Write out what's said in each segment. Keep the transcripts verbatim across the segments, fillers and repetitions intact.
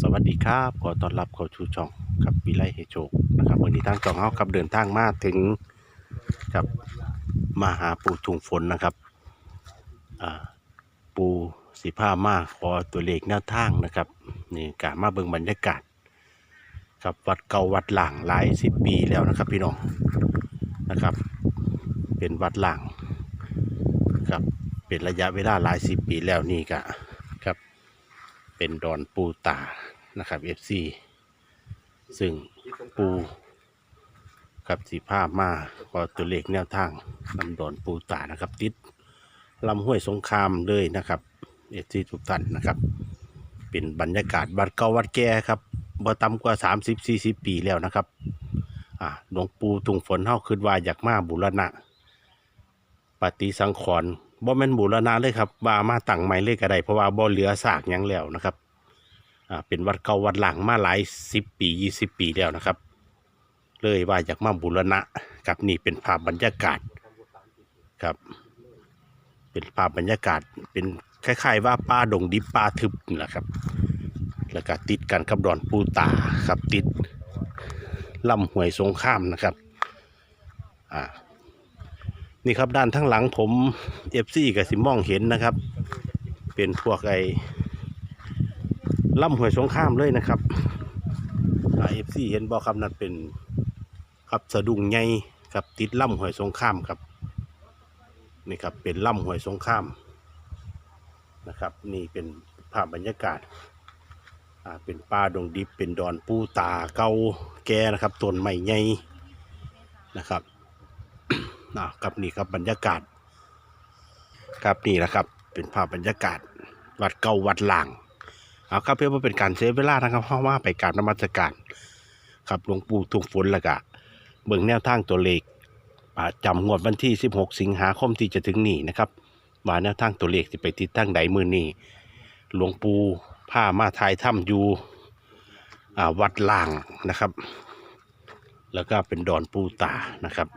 วัสดีครับขอต้อนรับเข้าสู่ช่องกับวิไลให้โชคนะครับวันนี้ทางช่องเฮากับเดินทางมาถึงกับมาหาปู่ทุ่งฝนนะครับอ่าปู่สิพามาขอตัวเลขแนวทางนะครับนี่กะมาเบิ่งบรรยากาศครับวัดเก่าวัดหลางหลายสิบปีแล้วนะครับพี่น้องนะครับเป็นวัดหลางครับเป็นระยะเวลาหลายสิบปีแล้วนี่กะครับเป็นดอนปูตานะครับเอฟซีซึ่งปูกับสีผ้ามาขอตัวเลขแนวทางลำดอนปูตานะครับติดลำห้วยสงครามเลยนะครับเอฟซีทุกท่านนะครับเป็นบรรยากาศวัดเก่าวัดแก่ครับบ่ต่ำกว่าสามสิบสี่สิบปีแล้วนะครับอ่าหลวงปู่ทุ่งฝนเฮาคิดว่าอยากมาบูรณะปฏิสังขรณ์บ่แม่นบูรณะเลยครับว่ามาตั้งใหม่เลยก็ได้เพราะว่าบ่เหลือซากหยังแล้วนะครับอ่าเป็นวัดเก่าวัดหลังมาหลายสิบปียี่สิบปีแล้วนะครับเลยว่าอยากมาบูรณะกับนี่เป็นภาพบรรยากาศครับเป็นภาพบรรยากาศเป็นคล้ายๆว่าป่าดงดิบป่าทึบนี่แหละครับแล้วก็ติดกันกับดอนปูตาครับติดลำห้วยสงครามนะครับอ่านี่ครับด้านทั้งหลังผมเอฟซีกับสิมองเห็นนะครับเป็นพวกไอ้ลำห้วยสงครามเลยนะครับเอฟซีเห็นบอกครับนั่นเป็นครับสะดุ้งใหญ่ครับติดลำห้วยสงครามครับนี่ครับเป็นลำห้วยสงครามนะครับนี่เป็นภาพบรรยากาศอ่าเป็นป่าดงดิบเป็นดอนปูตาเก่าแก่นะครับต้นไม้ใหญ่นะครับ อ่าครับนี่ครับบรรยากาศครับนี่แหละครับเป็นภาพบรรยากาศวัดเก่าวัดหลางเอาครับเพื่อเป็นการเซฟเวลานะครับเพราะว่าไปกราบนมัสการครับหลวงปู่ทุ่งฝนแล้วก็เบิ่งแนวทางตัวเลขจำงวดวันที่สิบหกสิงหาคมที่จะถึงนี้นะครับว่าแนวทางตัวเลขจะไปติดตั้งใดมือนี้หลวงปู่ผ้ามาทายถ้ำอยู่วัดหลางนะครับแล้วก็เป็นดอนปูตานะครับ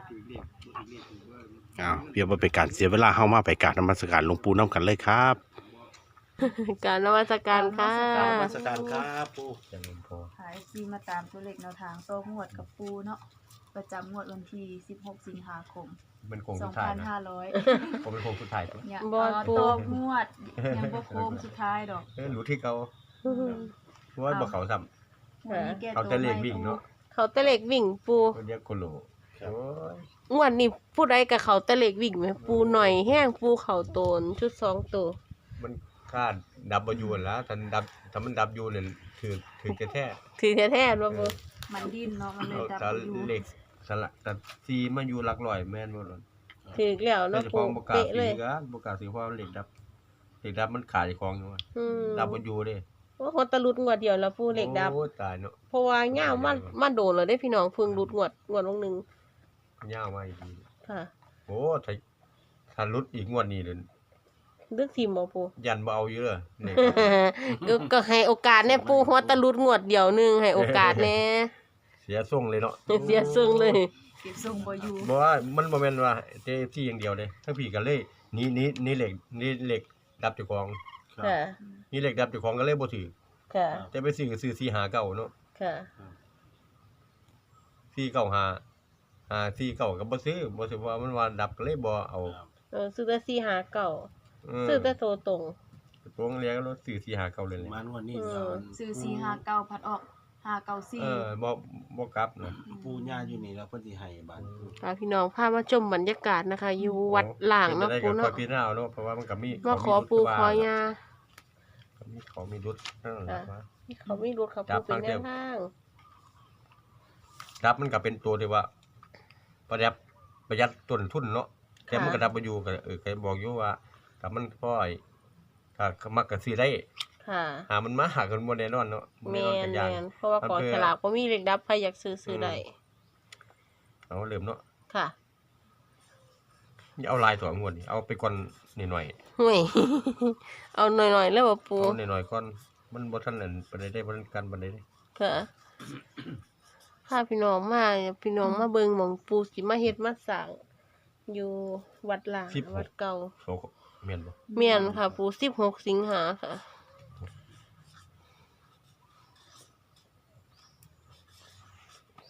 อ้าวเพื่อว่าเป็นการเสียเวลาเข้ามาไปกราบนมัสการหลวงปู่น้ำกันเลยครับการนมัสการค่ะการนมัสการครับปูจังพอหายซีมาตามตัวเลขแนวทางโซ่งวดกับปูเนาะประจำงวดวันที่สิบหกสิงหาคมเป็นโค้งสสุองดท้ายพันนะห้าร้อยผมเป็นโค้งสุดท้ายตัวเนี่ยบอลโตงวดยังบ่โค้งสุดท้ายดอกเออรู้ที่เขาเพราะว่าบอกเขาซ้วันนี้แกำเขาโตจะเล่นวิ่งเนาะเขาตะเล็กวิ่งปูคนเรียกโคโลโอ้ยงวดนี้พูดไรกับเขาตะเล็กวิ่งไหมปูหน่อยแห้งปูเขาโตนชุดสองตัวมันคาดดับยูนแล้วถ้าดับถ้ามันดับยูเนี่ยถือถือแท้ถือแท้ๆว่าปูมันดิ้นเนาะมันเลยเอาดับถ้าอยู่เหล็กสละแต่ซีมาอยู่หลักร้อยแม่นหมดเลยถือแล้วแต่เนาะเฉปูพาะบกาเป๊ะสีเลยก็บกาสีเพราะเหล็กดับเหล็กดับมันขาดอีกของอยู่ว่าอืมดับยูเด้ว่าคนตะลุดงวดเดียวแล้วปูเหล็กดับโอ้ตายเนาะเพราะว่าเงามันมันโดนเลยได้พี่น้องเพิ่งรุดงวดงวดลงหนึ่งยาวมาอีกทีค่ะโอ้ถ้าถ้าลุดอีกงวดนี้เลยเลือกทีมบ่ปูยันเบเอาเยอะเนี่ยก็ก็ให้โอกาสแน่ปูหัวตะลุดงวดเดียวหนึงให้โอกาสแน่เสียทรงเลยเนาะเสียซึ่งเลยเก็บทรงบ่อยู่บอกว่ามันบ่แม่นว่าเจ้ที่อย่างเดียวเลยทั้งพี่กันเลยนี่นี่นี่เหล็กนี่เหล็กดับเจ้าของค่ะนี่เหล็กดับเจ้าของก็เลยบ่ถือค่ะแต่ไปซื้อก็ซื้อสี่หาเก่าเนาะค่ะสี่เก่าหาหาสี่เก่าก็บ่ซื้อบ่ซื้อว่ามันว่าดับก็เลยบ่เอาเออซื้อแต่สี่หาเก่าเออซื้อแต่โตตรงตรงเรียกแล้วซื้อสี่หาเก่าเลยเลยมันวันนี้เออซื้อสี่ห้าเก้าพัดออกห้าเก้าสี่เออบ่บ่กลับนะปูย่าอยู่นี่แล้วเพิ่นสิให้บ้านพาพี่น้องพามาชมบรรยากาศนะคะ อยู่วัดหลางเนาะปูเนาะเนาะพี่น้าเนาะเพราะว่ามันก็มีมาขอปูขอยามีของมีรุดนั่นแหละว่าที่เขาไม่รู้เขาจัปูบเป็นทางแนเดียววทางดับมันก็เป็นตัวที่ว่าประหยัดประหยัดต้นทุนเนาะแต่มันก็ดับบ่อยู่ก็เออเคยบอกอยู่ว่าถ้ามันพอไอ้ถ้ามักก็ซื้อได้ค่ะหามันมาหากันบ่แน่นอนเนาะบ่แมแน่นอนนกันอแมย่างนเพราะว่าของฉลากก็มีเล็กดับใครอยากซื้อซื้อได้เอาเริ่มเนาะค่ะนี่เอาลายตัวงวดนี่เอาไปก่อนนิดหน่อยห่วย เอาหน่อยๆแล้วบ่ปูเอานิดหน่อยก่อนมันบ่ทันนั่นปานใดได้บ่ทันกันปานใดได้ค่ะพาพี่น้องมาพี่น้องมาเบิ่งหม่องปูสิมาเฮ็ดมาสร้างอยู่วัดหลางวัดเก่าโซแม่นบ่เมียนค่ะ ปูสิบหกสิงหาค่ะ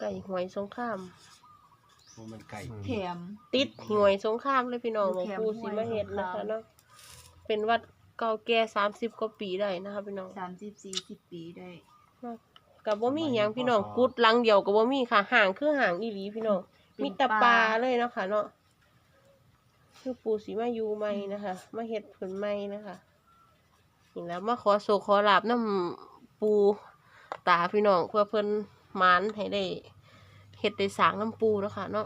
ไก่หวยสงครามโอ้มันไก่แถมติดหวยสงครามเลยพี่น้องหลวงปู่แถมศรีมาเฮ็ดนะคะหวยสงครามเนาะเป็นวัดเก่าแก่สามสิบกว่าปีได้นะคะพี่น้องสามสิบสี่สิบปีได้กับบ่มีหยังพี่น้องกุดหลังเดียวกับบ่มีค่ะห่างคือห่างอีหลีพี่น้องมีแต่ปลาเลยเนาะค่ะเนาะคือปู่ศรีมาอยู่ใหม่นะคะมาเฮ็ดผลใหม่นะคะนี่แล้วมาขอโศกขอลาบนำปู่ตาพี่น้องเพื่อเพิ่นหมานให้ได้เฮ็ดได้สร้างน้ำปู่เนาะค่ะเนาะ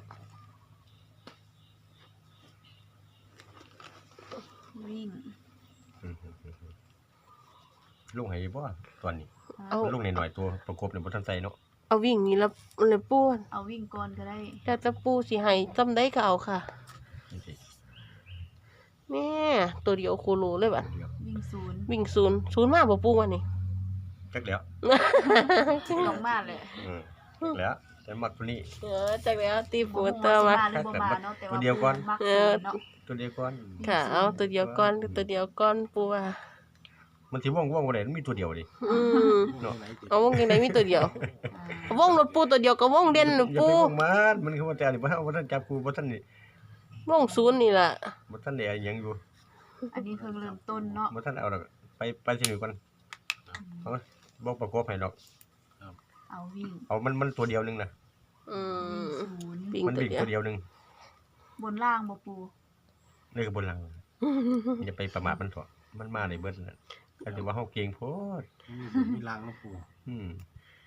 วิ่งอืมลุงให้บ่ตอนนี้เอาลุงหน่อยๆตัวประกบเนี่ยบ่ทันใส่เนาะเอาวิ่งนี่ละเลยปู่เอาวิ่งก่อนก็ได้แต่จะปู่สิให้จำได้ก็เอาค่ะนี่สิแม่ตัวเดียวโคโลเลยบัดเดี๋ยววิ่งศูนย์วิ่งศูนย์ศูนย์มาบ่ปู่วันนี้จักแล้วลงมาเลยอืมจักแล้วแต่มักตัวนี้เออจักแล้วตีปูบ่เตอร์ฮู้มาว่าสิมาหรือบ่มาเนาะแต่ตัวว่าเดียวก่อนมักเอศูอนย์เนาะตัวเดียวก่อนค่ะ เอาตัวเดียวก่อนตัวเดียวก่อนปูว่ามันสิว่องว่องบ่ได้มันมีตัวเดียวดิอืมเนาะเอาวงยังไงมีตัวเดียวอ่าเอาวงรถปูตัวเดียวกับวงเด่นรถอย่าปูไปว่องมันมันคือว่าแต่นี่บ่ทันบ่ทันจับกูบ่ทันนี่วงศูนย์นี่ล่ะบ่ทันได้อะไรหยังอยู่อันนี้เพิ่งเริ่มต้นเนาะบ่ทันเอาดอกไปไปสิหนึ่งก่อนเอามาบ่ประกบให้ดอกเอาวิ่งเอามันมันตัวเดียวหนึงนะอืวิ่งมศูนย์ปิงมันตัววิ่งเดียวตัวเดียวหนึงบนล่างบ่ปูนี่ก็บนหลังอย่าไปประมาทมันเถอะมันมาได้เบิดนั่นก็ถือว่าเฮาเก่งโพดมีบุญมีลางนะปู่อืม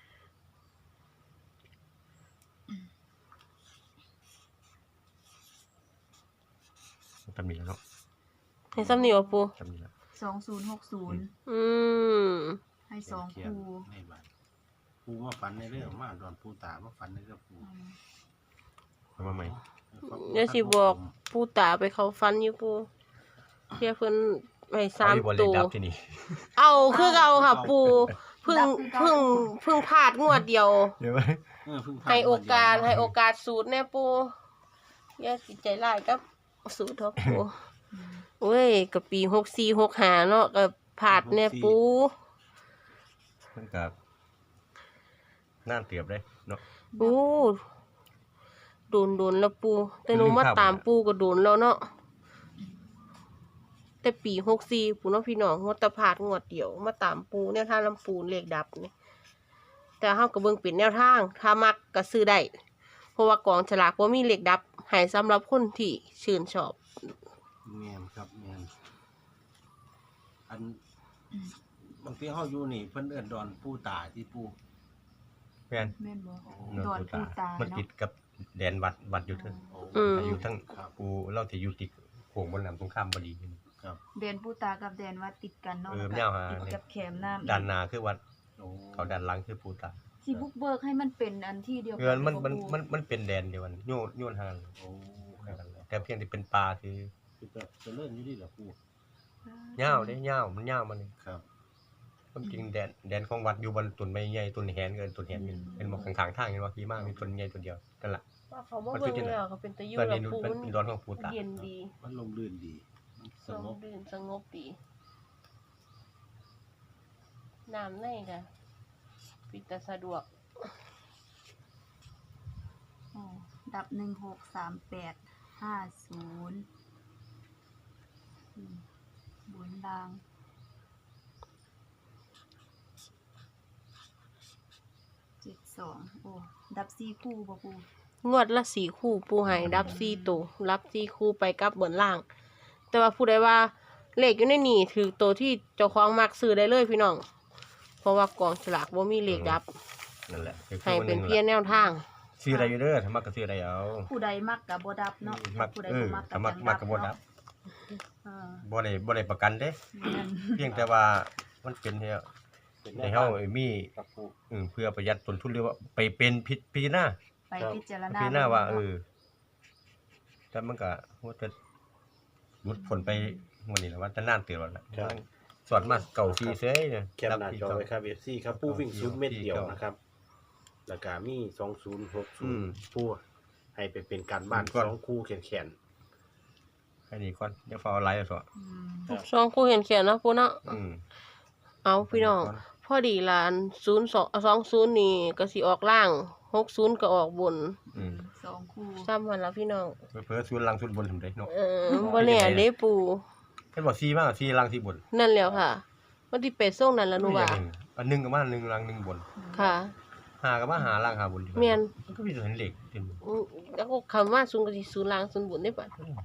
ทำนี่แล้วเนาะให้ซ้ำนี่วะปูทำนี่แล้วสองศูนย์หกศูนย์อืมให้สองเขียนคูในบ้านปู่มาฝันในเรื่องมาดอนปู่ตามาฝันในเรื่องปู่อืมเอามาใหม่เดี๋ยวสิบอกปูตาไปเขาฟันอยู่ปูเพียเพิ่นให้สามเออีบ่เลตัขวดับที่นี่เอาคือเอาค่ะปูเพิ่งเพิ่งเพิ่งพลาดงวดเดียวเดี๋ยวไว้เออเพิ่งผ่นให้โอกาสวันเดียวให้โอกาสสูตรแน่ปูอย่าสิใจร้ายกับสูตรทอะปูอืมโอ้ยกับปีหกสี่หกห้าเนาะกับผาดแน่ปูมันก็น่านเตียบเลยเนาะโอ้โดนโดนแล้วปูแต่หนูมาตามปูก็โดนแล้วเนาะแต่ปีหกสี่ปูเนาะพี่น้องงวดแตะผาดงวดเดียวมาตามปูแนวทางลำปูเลขดับนี่แต่เฮาก็เบิ่งเป็นแนวทางถ้ามักก็ซื้อได้เพราะว่ากองฉลากบ่มีเลขดับให้สำหรับคนที่ชื่นชอบแม่นครับแม่นอันบางทีเฮาอยู่นี่เพิ่นเอิ้นดอนปู่ตาที่ปู่แม่นแม่นบ่เนาะดอนปูปูตามันเนาะติดกับแดนวัดวัดอยู่เทั้งโอ้อืมอยู่ทั้งครับปูเราที่อยู่ติดโขงบนน้ำตรงข้ามบ่ดีครับแดนปูตากับแดนวัดติดกันเนาะเออแล้วก็แนวหาติดกับแคมน้ำด้านหน้าคือวัดโอ้เขาด้านหลังคือปูตาที่บุกเบิกให้มันเป็นอันที่เดียวกัเงินมันมันบ่ปูมันมันเป็นแดนเดียวกันโยนโยนห่างโอ้กันเลยแต่เพียงแต่เป็นปลาคือคือจะเจะเลิ่นอยู่ดีเหรอปู่เหย้าวเด้เหย้าวมันเหย้าวมันนี่ครับความจริงแดนแดนของวัดอยู่บนต้นไม้ใหญ่ต้นแหนเกินต้นแหนอยู่เป็นหมอกข้างๆทางเห็นว่าพี่มากมีต้นใหญ่ต้นเดียวนั่นแหละว่าเขาบ่เบิ่งแล้วเขาเป็นตะยูตอนแล้นี้วปูเป็นมันเป็นดอนของปูตาเย็นดีมันลมลื่นดีมันสสงงบบดื่นสงบดีน้ำในค่ะปิดแต่สะดวกโอ้ดับหนึ่งหกสามแปดห้าศูนย์อืมบนล่างเจ็ดสองโอ้ดับสี่คู่บ่ปูงวดละสี่คู่ปูให้รับสี่ตัวรับสี่คู่ไปกลับบนล่าง แต่ว่าผู้ใดว่าเลขอยู่ในนี่ถือตัวที่เจ้าของมักซื้อได้เลยพี่น้อง เพราะว่ากองฉลากว่ามีเลขดับนั่นแหละคือให้เป็นเพียงแนวทางซื้ออะไรอยู่เด้อถ้ามักก็ซื้ออะไรเอาผู้ใดมักกับบ่ดับเนาะมักผู้ใดเอบ่อมักถ้ามักมักก็บ่ดับเออบ่ได้บ่ได้ประกันเด้แม่นเพียงแต่ว่ามันเป็นเฮาเป็นให้เฮามีครับปู่เออเพื่อประหยัดต้นทุนหรือว่าไปเป็นพิพิจารณาไปพิจารณาพิจารณาว่าเอบิ่งอแต่มันก็ว่าจะหลุดผลไปวันนี้แหละว่าจะนานเตือนแล้วล่ะสวดมาเก่าซีเซ้ยเนี่ยแคปหน้าจอไว้ครับ เอฟ ซี ครับปู่วิ่งศูนย์เม็ดเดียวนะครับแล้วก็มีสองศูนย์หกศูนย์ปู่ให้ไปเป็นการบ้านสองคู่แขนให้นี่ก่อนเดี๋ยวฟ้าเอาไลฟ์เอาซะอืมสองคู่เห็นเขียนเนาะปูเนาะอืมเอาพี่น้อง พอดีลานศูนย์สองสองศูนย์นี่ก็สิออกล่างหกศูนย์ก็ออกบนอืมสองคู่ซ้ำมันละพี่น้องเพิ่นศูนย์ล่างศูนย์บนทำได้เนาะเออบ่แน่เด้ปูเพิ่นบอกสี่มาสี่ล่างสี่บนนั่นแล้วค่ะมันที่เป็ดส่งนั่นล่ะหนูว่าอันหนึงก็มาหนึ่งล่างหนึ่งบนค่ะหาก็มาหาล่างหาบนแม่นมันก็มีตัวเห็นเหล็กเต็มอืมแล้วก็คำว่าศูนย์ก็สิศูนย์ล่างศูนย์บนได้ปะ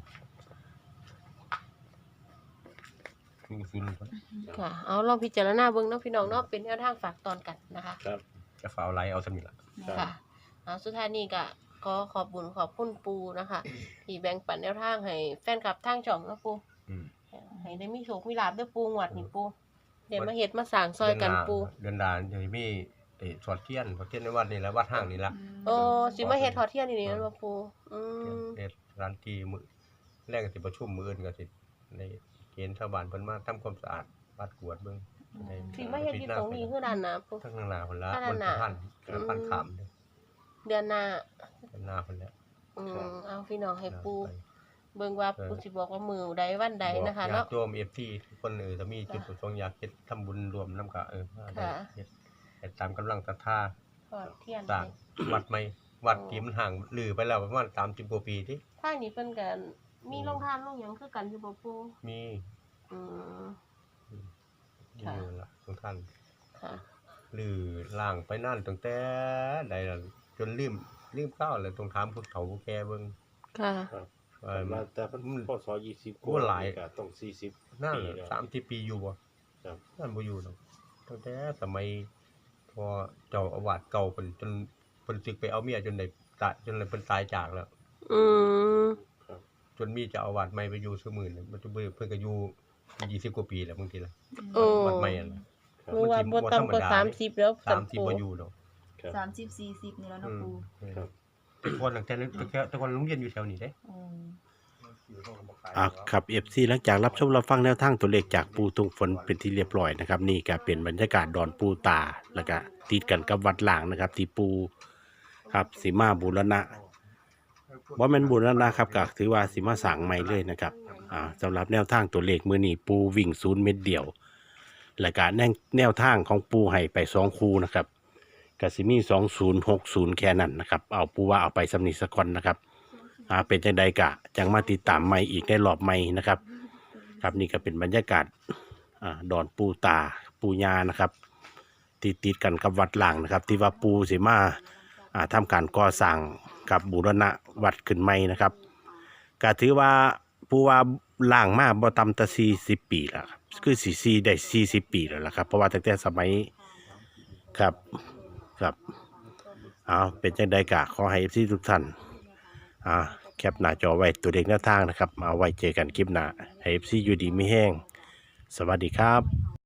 ศูนย์ศูนย์บนค่ะ เอาลองพิจารณาเบิ่งเนาะพี่น้องเนาะเป็นแนวทางฝากตอนกันนะคะครับจะฝาเอาไลน์เอาสมิละค่ะเอาสุดท้ายนี้ก็ขอขอบบุญขอบคุณปูนะคะ ที่แบ่งปันแนวทางให้แฟนคลับทางช่องเนาะปูอืมให้ได้มีโชคมีลาภเด้อปูงวดนี่ปูเดี๋ยวมาเฮ็ดมาสร้างซอยกันปูเดือนดานจะมีไอ้สอดเทียนสอดเทียนในวัดนี่แหละวัดห้างนี่ละโอ้สิมาเฮ็ดทอดเทียนนี่นี่บ่ปูอืมเฮ็ดร้านที่มือแรกก็สิประชุมมื้ออื่นก็สิในเกณฑ์ชาวบ้านเพิ่นมาทำความสะอาดวัดกวดเบิ่งในสิมาเฮ็ดอยู่ตรงนี้คือด้านหน้าปูทั้งข้างหน้าเพิ่นละด้านหน้าพันพันขามเด้อเดือนหน้าด้านหน้าเพิ่นแล้วอืมเอาพี่น้องให้ปูไปเบิ่งว่าปูสิบอกว่ามื้อใดวันใดนะคะบอกญาเนาะติโยม เอฟ ที ทุกคนเออถ้ามีจุดประสงค์อยากเฮ็ดทำบุญรวมนำก็เออมาได้ค่ะเฮ็ดเฮ็ดตามกำลังศรัทธาทอดเทียนสร้างวัดใหม่วัดที่มันห่างลือไปแล้วประมาณสามสิบกว่าปีติทางนี้เพิ่นก็มีโรงทานโรงหยังคือกันอยู่บ่ปูมีอืมมีค่ะอยู่ล่ะทุกท่านค่ะลือล่างไปนั่นตั้งแต่ใดล่ะจนลืมลืมข้าวเลยต้องถามผู้เฒ่าผู้แก่เบิ่งค่ะเออมาแต่เพิ่นพศยี่สิบโอ้หลายก็ต้องสี่สิบนั่นปีแล้วสามสิบปีอยู่บ่ครับนั่นบ่อยู่ดอกตั้งแต่สมัยพอเจ้าอาวาสเก่าเพิ่นจนเพิ่นสึกไปเอาเมียจนได้ตายจนเลยเพิ่นตายจากแล้วอืมจนมีเจ้าอาวาสใหม่ไปอยู่ซื่อมื้อนี่มันจะเบิ่งเพิ่นก็อยู่ยี่สิบกว่าปีแล้วบางทีล่ะโอ้วัดใหม่นั่นน่ะหนูว่าบ่ต่ำกว่าสามสิบแล้วสามสิบปูบ่อยู่ดอกครับสามสิบสี่สิบนี่แล้วเนาะปูครับแต่ก่อนหลังจากนั้นแต่ก่อนแต่ก่อนโรงเรียนอยู่แถวนี้เด้อืมอ่ะครับ เอฟ ซี หลังจากรับชมรับฟังแนวทางตัวเลขจากปูทุงฝนเป็นที่เรียบร้อยนะครับ นี่ก็เป็นบรรยากาศดอนปูตาแล้วก็ติดกันกับวัดหลางนะครับ ที่ปูครับสีมาบูรณะว่ามันบูรณะครับก็ถือว่าสีมาสั่งใหม่เลยนะครับอ่าสำหรับแนวทางตัวเลขมือนี้ปูวิ่งศูนย์เม็ดเดียว และก็แนวแนวทางของปูให้ไปสองคูนะครับก็สิมีสองศูนย์หกศูนย์แค่นั้นนะครับเอาปูว่าเอาไปสำนิสกอนนะครับอ่าเป็นจังใดกะจังมาติดตามใหม่อีกในรอบใหม่นะครับ ครับนี่ก็เป็นบรรยากาศอ่าดอนปูตาปูญานะครับติดติดกันกับวัดหลางนะครับ ที่ว่าปูสิมาอ่าทำการก่อสร้างกับบูรณะวัดขึ้นใหม่นะครับก็ถือว่าปูว่าล่างมาบ่ต่ำแต่สี่สิบปีแล้วครับคือสี่สี่ได้สี่สิบปีแล้วล่ะครับเพราะว่าตั้งแต่สมัยครับครับเอาเป็นจังใดกะขอให้ที่ทุกท่านอ่าแคปหน้าจอไว้ตัวเด็กหน้าทางนะครับมาไว้เจอกันคลิปหน้าให้ เอฟ ซี อยู่ดีไม่แห้งสวัสดีครับ